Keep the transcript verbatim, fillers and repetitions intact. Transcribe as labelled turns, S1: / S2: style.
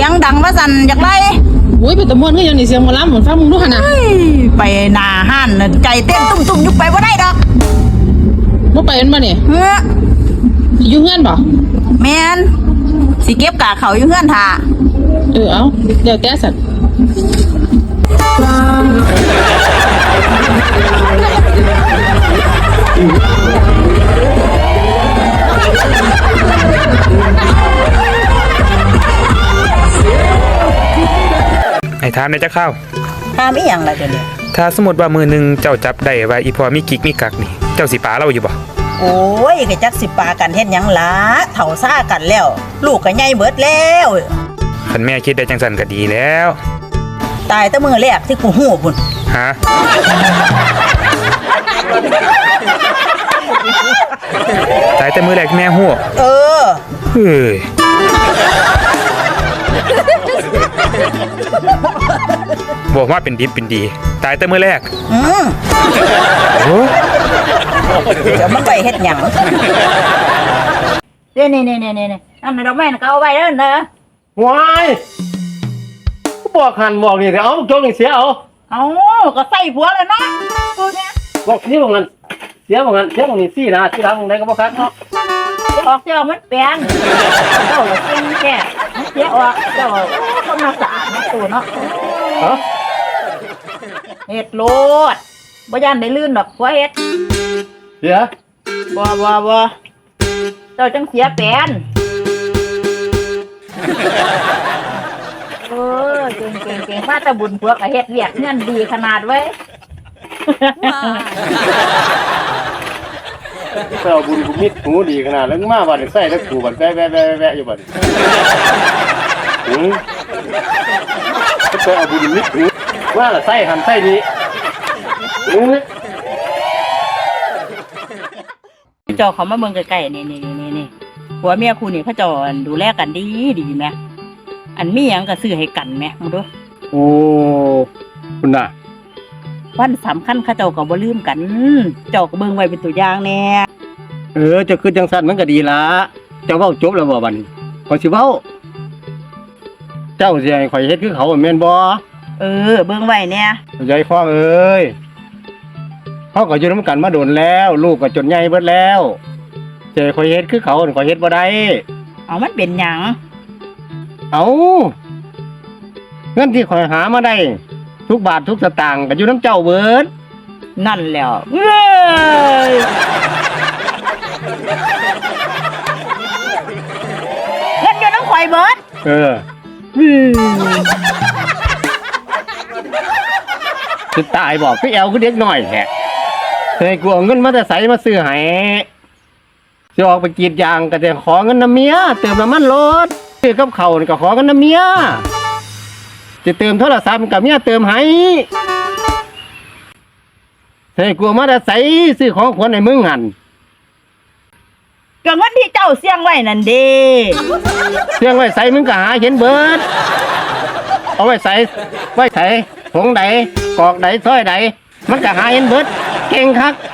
S1: สียงดังว่าสั่นอยากไล่
S2: อุ้ยเป็นตะมวนก็ยังนี่เสียงหมอลำเหมือนฟังมึงดูขนาด
S1: ไปหน้าห้านใจเต้นตุ้มๆยุบไปว่าได้ดอก
S2: บ่ไปมันบ่เนี่ย
S1: เฮ้อ
S2: อยู่เฮือนบ่
S1: แม่นสิเก็บกะเขาอยู่เฮือนท่า
S2: เออเอาเดี๋ยวแก้สัตว์
S3: ไอ้ถามในจะเข้า
S1: ถามอีหยังล่ะเดี๋ยวนี้
S3: ถ้าสมมติว่ามือหนึ่งเจ้าจับได้ว่าอีพอมีกิ๊กมีกักนี่เจ้าสิปาเราอยู่บ่
S1: โอ้ยก็จักสิปากันเฮ็ดหยังล่ะเฒ่าซ่ากันแล้วลูกก็ใหญ่เบิดแล้ว
S3: คันแม่คิดได้จังซั่นก็ดีแล้ว
S1: ตายแต่มื้อแรกที่กูฮู้พุ่น
S3: ฮะตายแต่มือแรกแม่ฮู้
S1: เออ
S3: เฮ้ยบอกว่าเป็นดิบเป็นดีตายแต่มื้อแรก
S1: อืม
S3: โอ้
S1: เดี๋ยวมันไปเฮ็ดหยังนี่นี่นี่นี่นี่อันนั้นดอกไม้น่ะก็เอาไว้เด้อเด้อ
S4: ว้ายกูบอกหันบอกนี่แต่เอาโจงนี่เสียเอา
S1: เอาก็ใส่ผัวแล้วเนาะกูเนี่ย
S4: บอกที่บอกงั้นเสียบอกงั้นเสียบอกนี่ซี่นะที่ร้านของใดก็บ่คักเนาะ
S1: ออกเจ้ามันแปลงเจ้าละเก่งแค่เสียออกเจ้าต้องมาสะอาดตัวเนาะ
S4: ฮะ
S1: เฮ็ดโลดบ่ย่านได้ลื่นดอกผัวเฮ็ด
S4: เสีย
S1: บ่บ่บ่เจ้าจังเสียแปลนเออเก่งเก่งเก่งมาแต่บุญผัวก็เฮ็ดเวียกเงินดีขนาดเว้ย
S4: ไปเอาบุญกูมิดหูดีขนาดแล้วมาบัดนี้ใส่แล้วกูบัดแวะๆๆๆอยู่บัดหือไปเอาบุญมิดหูว่าละใส่หันใส่นี้หือ
S1: เจ้าเขามาเบิ่งใกล้ๆนี่ๆๆๆผัวเมียคู่นี่เขาเจ้าดูแลกันดีดีแม่อันมีหยังก็ซื้อให้กันแม่มึงดู
S4: โอ้คุณน่ะ
S1: วันสำคัญเขาเจ้าก็บ่ลืมกันเจ้าก็เบิ่งไว้เป็นตัวอย่างแน่
S4: เออจะคือจังซั่นมันก็ดีละเจ้าเว้าจบแล้วบ่บัดนี้ขอยสิเว้าเจ้าสิให้ข่อยเฮ็ดคือเขาแม่นบ่
S1: เออเบิ่งไว้แน่
S4: ยายฟ้องเอ้ยเฮาก็อยู่นำกันมาโดนแล้วลูกก็จนใหญ่เบิดแล้วสิให้ข่อยเฮ็ดคือเขาข่อยเฮ็ดบ่ได้
S1: เอามันเป็นหยัง
S4: เอาเงินที่ข่อยหามาได้ทุกบาททุกสตางค์ก็อยู่น้ำเจ้าเบิด
S1: นั่นแล้วเอ้ยเงินอยู่น้ำข่อยเบิด
S4: เออจะตายบอกพี่แอลคือเด็กน้อยแท้เคยกลัวเงินมาแต่ใส่มาซื้อให้จะออกไปกรีดยางก็จะขอเงินน้ำเมียเติมน้ำมันรถซื้อกับเขาก็ขอเงินน้ำเมียจะเติมโทรศัพท์กับเมียเติมให้ใส่กลัวมาแต่ใส่ซื้อของขวัญในมึงหัน
S1: ก็เงินที่เจ้าเสี่ยงไว้นั่นเด้
S4: เสี่ยงไว้ใส่มึงก็หาเห็นเบิดเอาไว้ใส่ไว้ใส่ผงใดกอกใดซ้อยใดมันก็หาเห็นเบิดเก่งคัก